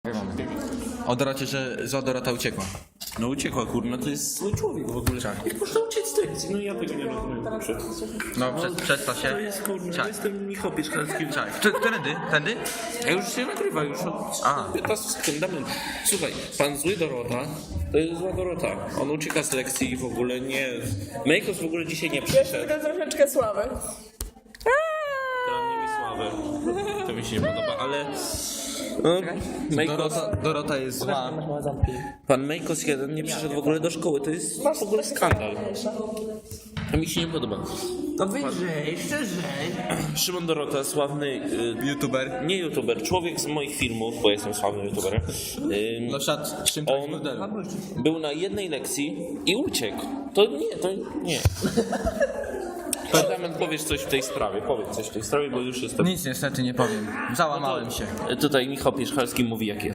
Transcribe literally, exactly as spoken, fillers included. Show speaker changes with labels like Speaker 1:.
Speaker 1: O Dorocie, że, że Dorota uciekła.
Speaker 2: No uciekła, kurna, to jest zły człowiek w ogóle.
Speaker 1: Tak.
Speaker 2: Jak można uciec z lekcji? No ja tego nie rozumiem. Proszę.
Speaker 1: No, przez, przez to się...
Speaker 2: To jest, kurna,
Speaker 1: Czaj.
Speaker 2: jestem Michał Pieczkarski.
Speaker 1: Czaj. Czy, którędy? Tędy?
Speaker 2: A już się nagrywa, już od
Speaker 1: A.
Speaker 2: piętnastu sekund. Damian, słuchaj, pan zły Dorota, to jest zła Dorota. On ucieka z lekcji i w ogóle nie... Mejkos w ogóle dzisiaj nie przyszedł.
Speaker 3: Tylko troszeczkę słaby.
Speaker 2: To nie mi sławę. To mi się nie podoba, ale... No, Mejkos,
Speaker 1: Dorota, Dorota jest zła.
Speaker 2: pan Mejkos jeden nie przyszedł w ogóle do szkoły, to jest w ogóle skandal. To mi się nie podoba.
Speaker 4: To wyżej, szczerze.
Speaker 2: Szymon Dorota, sławny y,
Speaker 1: YouTuber.
Speaker 2: nie youtuber, człowiek z moich filmów, bo jestem sławnym youtuberem. Y,
Speaker 1: No siadł z czym
Speaker 2: on
Speaker 1: modelu.
Speaker 2: był na jednej lekcji i uciekł. To nie, to nie. Damian, powiesz coś w tej sprawie, powiedz coś w tej sprawie, bo już jestem...
Speaker 1: Nic niestety nie powiem. Załamałem się.
Speaker 2: Tutaj Michał Pierzchalski mówi jak jest.